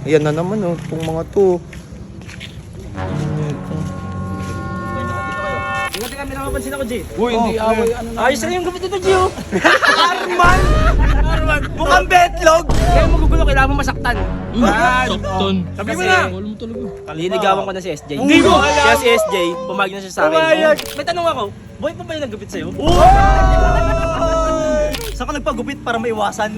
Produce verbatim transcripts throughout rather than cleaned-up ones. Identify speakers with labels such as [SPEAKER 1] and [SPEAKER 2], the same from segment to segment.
[SPEAKER 1] Ayan na naman oh, itong mga to.
[SPEAKER 2] Hindi kami nakapansin ako, G.
[SPEAKER 3] Uy, hindi away. Ano na?
[SPEAKER 2] Ayos na yung gupit nito, G, oh.
[SPEAKER 1] Arman! Arman! Mukhang betlog!
[SPEAKER 2] Kaya magugulo, kailangan mo masaktan.
[SPEAKER 3] Sakton.
[SPEAKER 2] Sabi mo na.
[SPEAKER 3] Wala mo talaga.
[SPEAKER 2] Liligawan ko na si S J.
[SPEAKER 1] Hindi mo alam.
[SPEAKER 2] Kaya si S J, pumayag na siya sa akin.
[SPEAKER 1] Pumayag.
[SPEAKER 2] May tanong ako, boy pa ba yung naggupit sa'yo?
[SPEAKER 1] Saan ka nagpagupit para maiwasan?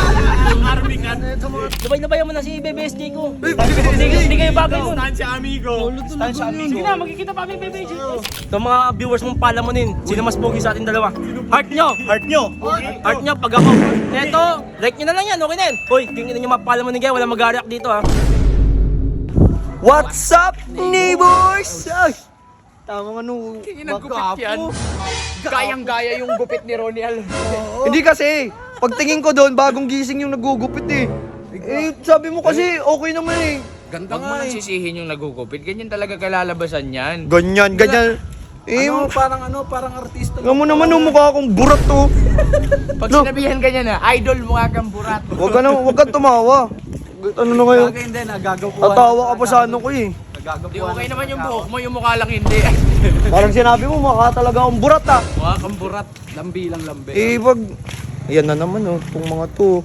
[SPEAKER 2] Sabay na bayan mo na si Bebe S J ko. Hindi hindi kayo bagay nun.
[SPEAKER 1] Stansya amigo. Stansya amigo.
[SPEAKER 2] Sige na, magkikita pa kami Bebe S J. Ito mga viewers mong palamunin, sino mas pogi sa ating dalawa? Heart nyo!
[SPEAKER 1] Heart nyo.
[SPEAKER 2] Heart nyo pag ako. Eto, like nyo na lang yan, okay na yan. Hoy, tingnan nyo mapalamunin kayo, walang mag-react dito ha.
[SPEAKER 1] What's up, neighbors? Ay, tama nga nung
[SPEAKER 3] Nagkupit yan. Gayang-gaya yung gupit ni Roniel.
[SPEAKER 1] Hindi kasi, pagtingin ko doon, bagong gising yung nagugupit eh. Eh, sabi mo kasi, okay naman eh.
[SPEAKER 3] Ganda nga eh. Sisihin yung nagugupit. Ganyan talaga kalalabasan yan.
[SPEAKER 1] Ganyan, ganyan. Eh,
[SPEAKER 3] Ano, parang ano, parang artista.
[SPEAKER 1] nga mo naman yung mukha akong burat to.
[SPEAKER 3] Pag
[SPEAKER 1] No.
[SPEAKER 3] sinabihan ka niya na, idol mukha kang burat.
[SPEAKER 1] Huwag ka na, huwag kang tumawa. Ano na ngayon?
[SPEAKER 3] hindi, nagagawa.
[SPEAKER 1] Tatawa ka pa sa ano ko eh.
[SPEAKER 3] Di okay naman yung buhok mo, yung mukha lang hindi.
[SPEAKER 1] Parang sinabi mo, mukha talaga akong burat ah.
[SPEAKER 3] Mukha kang burat. Lambi lang lambi.
[SPEAKER 1] Eh, wag... Ayan na naman oh, itong mga to.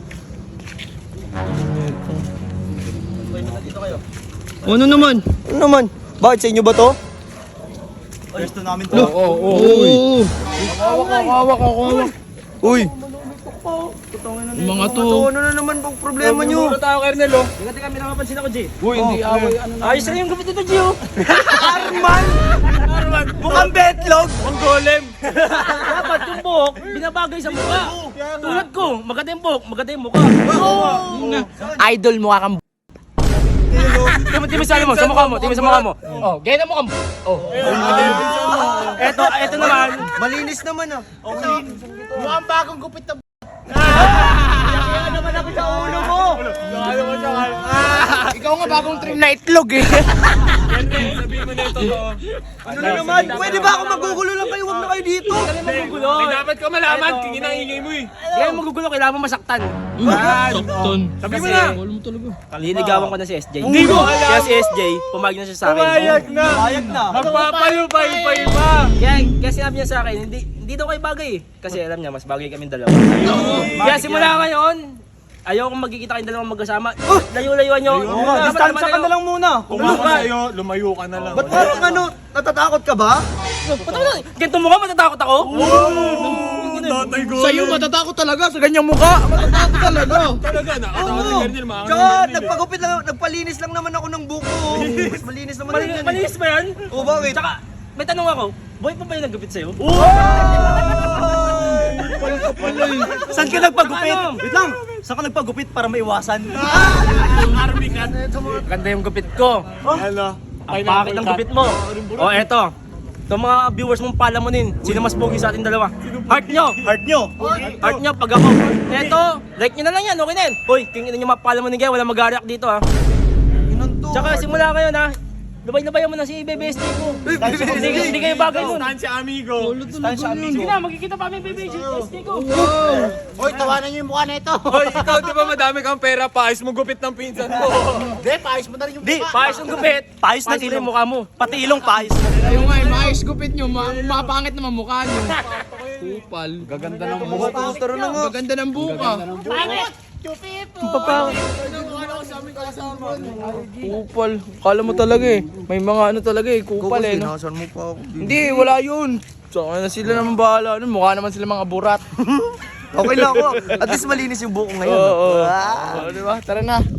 [SPEAKER 1] Ano naman? Ano naman? Bakit sa inyo ba to? Gusto namin to.
[SPEAKER 3] Oo, oo, oo.
[SPEAKER 1] Oo.
[SPEAKER 3] Hawak ako, hawak ako, hawak.
[SPEAKER 1] Uy,
[SPEAKER 3] Yung mga to.
[SPEAKER 1] to, ano na naman bang problema nyo?
[SPEAKER 3] tayo, Kernel, oh.
[SPEAKER 2] Hindi kami nakapansin ako, G.
[SPEAKER 3] Uy, hindi away. Ano na?
[SPEAKER 2] Ayos na yung gupit nito, G, oh.
[SPEAKER 1] Arman! Arman! Mukhang betlog!
[SPEAKER 2] Ang golem! Dapat yung buhok, binabagay sa mukha. Tulad ko, maganda yung buhok, maganda yung mukha.
[SPEAKER 3] Idol mukha kang
[SPEAKER 2] Timi, timi sa mo, sa mukha mo, timi sa mukha mo.
[SPEAKER 3] Oh, ganyan mo kang Oh.
[SPEAKER 2] Eto, eto naman.
[SPEAKER 1] Malinis naman ah.
[SPEAKER 3] Mukhang bagong gupit na
[SPEAKER 1] Kaya naman ako sa ulo mo!
[SPEAKER 3] Ikaw nga bagong trim na itlog eh.
[SPEAKER 1] Ano na naman? Pwede ba ako magugulo lang kayo? Huwag na kayo dito!
[SPEAKER 2] Kaya magugulo.
[SPEAKER 3] Dapat ko malaman, kingin ang ingay mo eh.
[SPEAKER 2] Kaya magugulo, kailangan mo masaktan.
[SPEAKER 3] Sakton.
[SPEAKER 2] Sabi mo na.
[SPEAKER 3] Wala mo talaga.
[SPEAKER 2] Liligawan ko na si S J.
[SPEAKER 1] Hindi mo alam.
[SPEAKER 2] Kaya si S J, pumayag na siya sa akin.
[SPEAKER 1] na! Pumayag na!
[SPEAKER 3] Magpapalupay-pay pa.
[SPEAKER 2] Kaya, kaya sinabi niya sa akin, hindi, hindi daw kayo bagay eh. Kasi alam niya, mas bagay kami dalawa. Kaya simula ngayon, ayaw kong magkikita kayong dalawang magkasama. Layo-layuan niyo.
[SPEAKER 1] Distansya ka na lang muna!
[SPEAKER 4] Kung ako sa'yo, lumayo ka na lang.
[SPEAKER 1] Ba't parang ano? Natatakot ka ba?
[SPEAKER 2] Ba't mo ganito mukha, matatakot ako?
[SPEAKER 4] Tatay ko.
[SPEAKER 3] Sa'yo matatakot talaga sa ganyang mukha. Matatakot talaga.
[SPEAKER 4] Talaga na. Ako si Kernel, mga
[SPEAKER 1] Tsaka nagpagupit lang, nagpalinis lang naman ako ng buko. Mas malinis naman
[SPEAKER 2] Mali-
[SPEAKER 1] yan eh.
[SPEAKER 2] Malinis ba yan?
[SPEAKER 1] O bakit?
[SPEAKER 2] Tsaka, may tanong ako, boy pa ba yung naggupit sa'yo?
[SPEAKER 1] Saan ka nagpagupit?
[SPEAKER 2] Ano?
[SPEAKER 1] Wait lang! Saan ka nagpagupit para maiwasan?
[SPEAKER 4] army cat.
[SPEAKER 2] Ganda yung gupit ko.
[SPEAKER 4] Ano?
[SPEAKER 2] Ang pakit ng gupit mo. O eto, ito mga viewers mong palamunin, sino mas pogi sa ating dalawa? Heart nyo!
[SPEAKER 1] Heart nyo!
[SPEAKER 2] Heart nyo pag ako. Eto, like nyo na lang yan, okay na yan. Hoy, tingnan nyo mapalamunin kayo, walang mag-react dito ha. Tsaka simula kayo na, labay-labayan mo na si Bebe S J ko. Hindi, hindi kayo bagay nun.
[SPEAKER 4] Stansya amigo.
[SPEAKER 1] Stansya amigo.
[SPEAKER 2] Sige na, magkikita pa kami Bebe S J ko.
[SPEAKER 5] Hoy, tawanan niyo yung mukha na ito.
[SPEAKER 4] Hoy, ikaw di ba madami kang pera pa? Ayos mo gupit ng pinsan mo.
[SPEAKER 5] Hindi, paayos mo na rin yung
[SPEAKER 1] Di,
[SPEAKER 5] mukha.
[SPEAKER 2] Paayos yung gupit.
[SPEAKER 1] Paayos na
[SPEAKER 2] Paayos
[SPEAKER 1] ilong.
[SPEAKER 2] yung mukha mo.
[SPEAKER 1] Pati ilong paayos.
[SPEAKER 3] Ayun nga, eh, maayos gupit nyo. Ma mapangit naman mukha nyo. Kupal. Gaganda ng buhok.
[SPEAKER 1] Tara na nga.
[SPEAKER 3] Gaganda ng buka. Kupal. Kala mo talaga eh. May mga ano talaga eh. Kupal eh. No?
[SPEAKER 1] Sinasan mo pa ako.
[SPEAKER 3] Hindi, wala yun. So, na sila naman bahala. Ano, mukha naman sila mga burat.
[SPEAKER 1] Okay lang ako. At least malinis yung buko ngayon.
[SPEAKER 3] Oo.
[SPEAKER 1] Ah.
[SPEAKER 3] Oh, di ba? Tara na.